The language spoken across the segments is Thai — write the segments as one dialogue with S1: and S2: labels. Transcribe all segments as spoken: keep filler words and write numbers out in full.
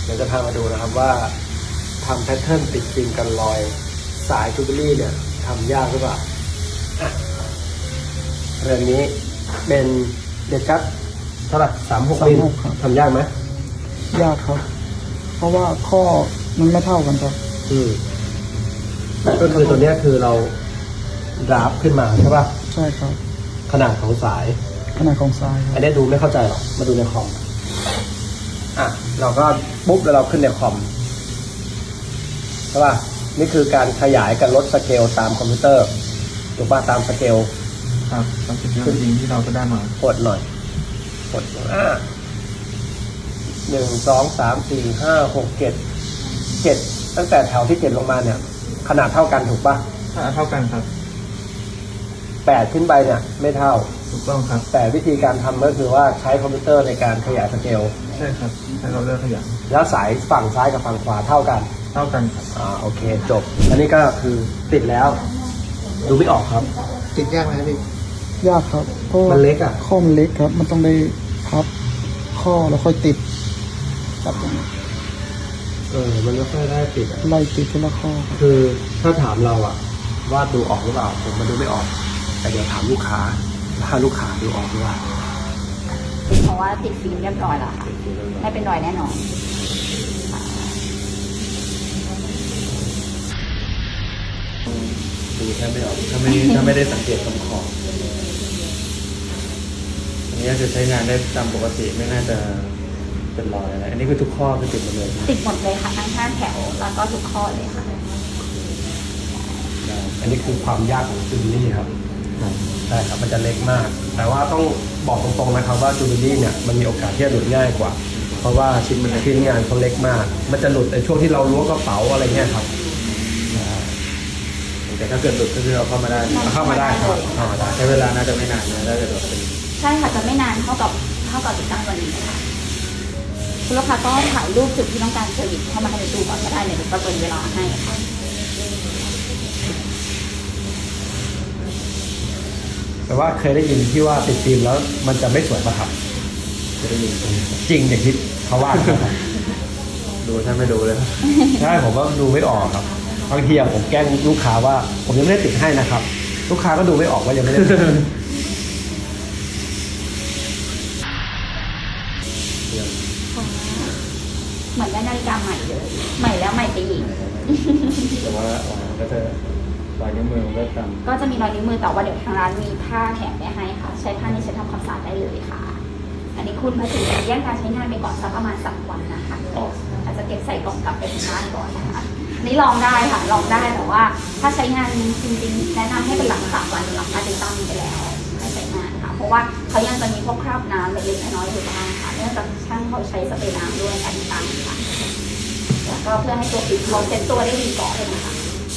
S1: เดี๋ยวจะพามาดูนะครับว่าทำแพทเทิร์นติดฟิล์มกันรอยสายจูเบลี่เนี่ยทำยากหรือเปล่าอ่ะเรื่องนี้เป็นเด็กกัดเท่าไหร่สามหกมิลทำยากไหม
S2: ยากครับเพราะว่าข้อมันไม่เท่ากันครับ
S1: อืมก็คือตัวนี้คือเราดราฟขึ้นมาใช่ป่ะ
S2: ใช่ครับ
S1: ขนาดของสาย
S2: ขนาดของสาย
S1: อันนี้ดูไม่เข้าใจหรอกมาดูในคอมอ่ะเราก็ปุ๊บแล้วเราขึ้นในคอมใช่ป่ะนี่คือการขยายกับลดสเกลตามคอมพิวเตอร์ถูกป่ะตามสเกล
S2: ครับตามสเกลจริงที่เราก็ได้มาก
S1: ดหน่อยกดอ่าหนึ่งสองสามสี่ห้าหกเจ็ดเจ็ดตั้งแต่แถวที่เจ็ดลงมาเนี่ยขนาดเท่ากันถูกป่ะ
S2: ขนาดเท่ากันครับ
S1: แปดขึ้นไปเนี่ยไม่เท่า
S2: ถูกต้องครับ
S1: แต่วิธีการทำก็คือว่าใช้คอมพิวเตอร์ในการขยายสเกล
S2: ใช่ครับใช้เราเลือกขยาย
S1: แล้วสายฝั่งซ้ายกับฝั่งขวาเท่ากัน
S2: เท่ากันครับ
S1: อ่าโอเคจบอันนี้ก็คือติดแล้วดูไม่ออกครับติดยากไหมพี่
S2: ยากครับเพราะ
S1: มันเล็กอ่ะ
S2: ข้อมันเล็กครับมันต้องได้พับข้อแล้วค่อยติดจับตรงนี้
S1: เออมันไม่ค่อยได้ติด
S2: ไล่ติดทีละข้อ
S1: คือถ้าถามเราอะว่าดูออกหรือเปล่าผมมันดูไม่ออกแต่เดี๋ยวถามลูกค้าถ้าลูกค้าดูออกหรือเปล่า
S3: เพราะว่าติดฟิล์มเรียบร้อยแล้วค่ะไม่เป็นรอยแน่นอน
S1: ดูแทบไม่ออกถ้าไม่ถ้าไม่ได้สังเกตตรงขอบอันนี้จะใช้งานได้ตามปกติไม่น่าจะเป็นรอยอะไรอันนี้คือทุกข้อคือติดหมดเลย
S3: ติดหมดเลยค่ะทั้งห้าแถวแล้วก็ทุกข้อเลยค่ะ
S1: อันนี้คือความยากของจูบิลี่ครับใช่ครับมันจะเล็กมากแต่ว่าต้องบอกตรงๆนะครับว่าจูบิลี่เนี่ยมันมีโอกาสที่จะหลุดง่ายกว่าเพราะว่าชิ้นมันชิ้นงานเขาเล็กมากมันจะหลุดในช่วงที่เราล้วงกระเป๋าอะไรเงี้ยครับแต่ถ้าเกิดหลุดก็คือเราเข้ามาได้เข้ามาได้ครับเข้ามาได้ใช้เวลาน่าจะไม่นานนะได้จะโดดเป็น
S3: ใช่ค่ะจะไม่นานเท่ากับเท่ากับติดตั้งวันนี้ค่ะคุณลูกค้าก็ถ่ายรูปจุดที่ต้องการเซอร์วิสเข้ามาให้ในตู้ก่อนก็ได้เนี่ยเดี๋ยวประเมินเวลาให้ค่ะ
S1: แต่ว่าเคยได้ยินที่ว่าติดฟิล์มแล้วมันจะไม่สวยป่ะครับเคยได้ยินจริงอย่างที่เขาว่าดูถ้าไม่ดูเลยใช่ผมว่าดูไม่ออกครับบางทีผมแกล้งลูกค้าว่าผมยังไม่ได้ติดให้นะครับลูกค้าก็ดูไม่ออกว่ายังไม่ได้ติด
S3: เหมือนได้นาฬิกาใหม่เลยใหม่แล้วใหม่ไปอีก
S1: แต่ว่ามันก็จะรอยนิ้วมือมันก็จ
S3: ำก็จะมีรอยนิ้วมือแต่ว่าเดี๋ยวทางร้านมีผ้าแถมไปให้ค่ะใช้ผ้านี้ใช้ทำความสะอาดได้เลยค่ะอันนี้คุณมาถึงแยกการใช้งานไปก่อนสักประมาณสามวันนะคะอาจจะเก็บใส่กล่องกลับไปที่บ้านก่อนนะคะนี่ลองได้ค่ะลองได้แต่ว่าถ้าใช้งานจริงๆแนะนำให้เป็นหลังสามวันหลังการติดตั้งไปแล้วให้ใช้งานค่ะเพราะว่าเขายังจะมีพวกคราบน้ำเล็กๆน้อยๆอยู่บ้างค่ะเนื่องจากช่างเขาใช้สเปรย์น้ำด้วยการติดตั้งค่ะแล้วก็เพื่อให้ตัวปิดเขาเซ็ตตัวได้ดีก่อนเลยนะคะ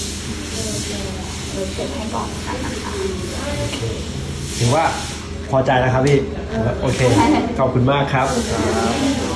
S3: เซ็ตให้ก่อนค่ะนะคะ
S1: ถือว่าพอใจแล้วครับพี่โอเคขอบคุณมากครับ